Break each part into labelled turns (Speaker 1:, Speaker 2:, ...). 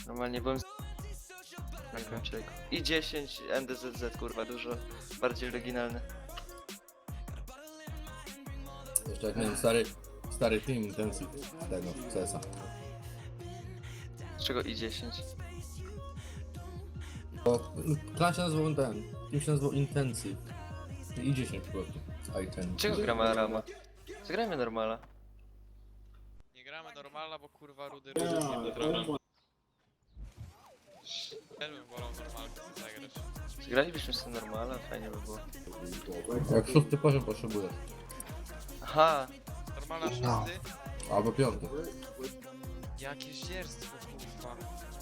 Speaker 1: Normalnie byłem na tym człowieku. I 10 NDZZ, kurwa, dużo bardziej oryginalny.
Speaker 2: Jeszcze jak miałem stary team intensive z tego, CS-a.
Speaker 1: Z czego i 10?
Speaker 2: Bo klan się nazywał team się nazywał intensive. I 10 po prostu. Z I10.
Speaker 1: Czego gramy Arama? Zagrajmy normala.
Speaker 3: Nie gramy normalna, bo kurwa rudy nie potrafi. Też bym wolał normalkę zagrać.
Speaker 1: Zagralibyśmy sobie normala, fajnie by było.
Speaker 2: Jak 6 poziom potrzebujesz.
Speaker 1: Aha,
Speaker 3: Normalna
Speaker 2: No.
Speaker 3: 6?
Speaker 2: Albo 5.
Speaker 3: Jakie zdzierstwo kurwa.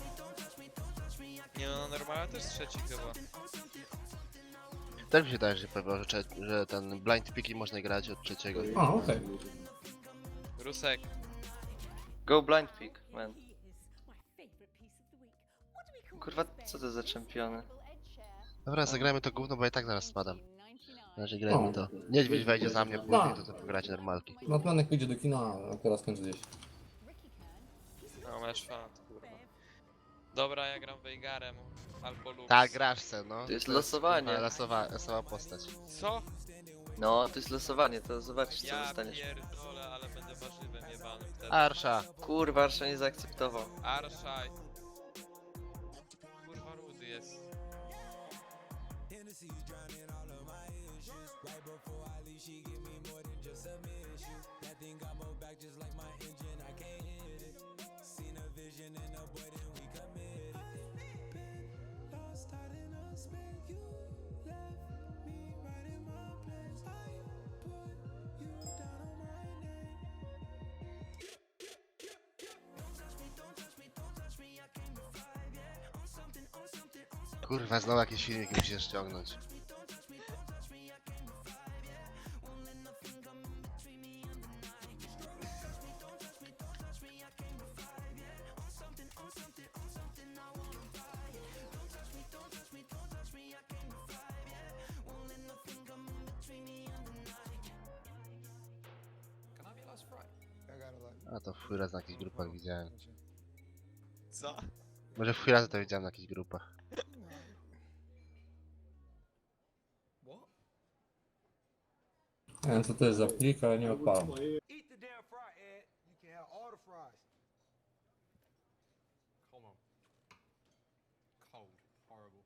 Speaker 3: Nie no, normalna też trzeci chyba.
Speaker 4: Tak mi się wydaje, że powiedział, że ten blind picki można grać od trzeciego.
Speaker 2: A, okej.
Speaker 3: Rusek,
Speaker 1: go blind pick, man. Kurwa, co to za czempiony?
Speaker 4: Dobra, zagrajmy to gówno, bo ja i tak zaraz spadam. Na razie
Speaker 2: O.
Speaker 4: grajmy to. Niedźwiedź wejdzie za mnie później, to pogracie normalki.
Speaker 2: No planek pójdzie do kina, a teraz kończy gdzieś.
Speaker 3: no masz fan, kurwa. Dobra, ja gram Veigarem albo Lux.
Speaker 4: Tak, grasz se, no.
Speaker 1: To jest losowanie.
Speaker 4: Losowa postać.
Speaker 3: Co?
Speaker 1: No, to jest losowanie, to zobaczysz co
Speaker 3: Ja
Speaker 1: dostaniesz.
Speaker 3: pierdolę, ale będę warzywem jebanym wtedy.
Speaker 4: Arsza.
Speaker 1: Kurwa, Arsza nie zaakceptował.
Speaker 3: Arszaj. Kurwa rudy jest.
Speaker 4: Kurwa, znowu jakieś filmiki musisz ściągnąć. A to w chuj raz na jakichś grupach widziałem.
Speaker 3: Co?
Speaker 4: Może w chuj razy to widziałem na jakichś grupach.
Speaker 2: Nie wiem co to jest za plik, ale nie odpalam.
Speaker 5: Eat the damn fry, Ed. You can have all the fries.
Speaker 6: Come on. Cold. Horrible.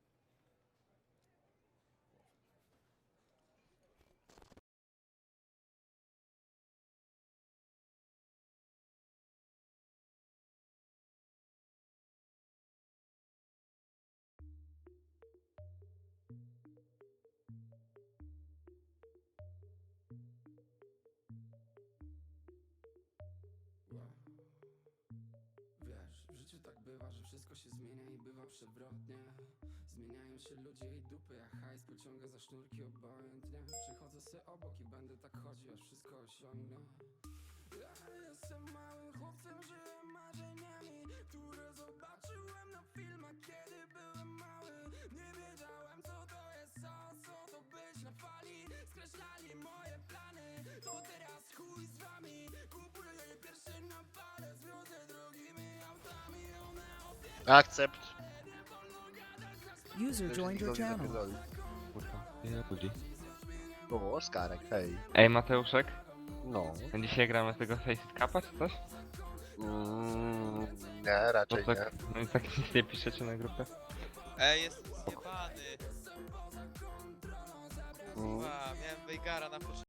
Speaker 7: Wiesz, w życiu tak bywa, że wszystko się zmienia i bywa przewrotnie. Zmieniają się ludzie i dupy, jak hajs pociąga za sznurki obojętnie. Przechodzę se obok i będę tak chodził, aż wszystko osiągnę. Ja jestem małym chłopcem, żyję marzeniami, które zobaczyłem na filmach, kiedy byłem mały. Nie wiedziałem co to jest co to być na fali. Skreślali moje plany, to teraz chuj z wami. Kupuję je pierwsze na fale, zwiozę drogimi autami, one
Speaker 4: Akcept.
Speaker 8: User joined your channel.
Speaker 4: O, Oskarek, hej.
Speaker 9: Ej Mateuszek,
Speaker 4: No.
Speaker 9: dzisiaj gramy z tego Faceit Cupa czy coś?
Speaker 4: Nie,
Speaker 9: No
Speaker 4: raczej nie.
Speaker 9: tak, no i tak nic nie piszecie na grupę.
Speaker 3: Ej, jestem zjebany. Kurwa, miałem Veigara na początku.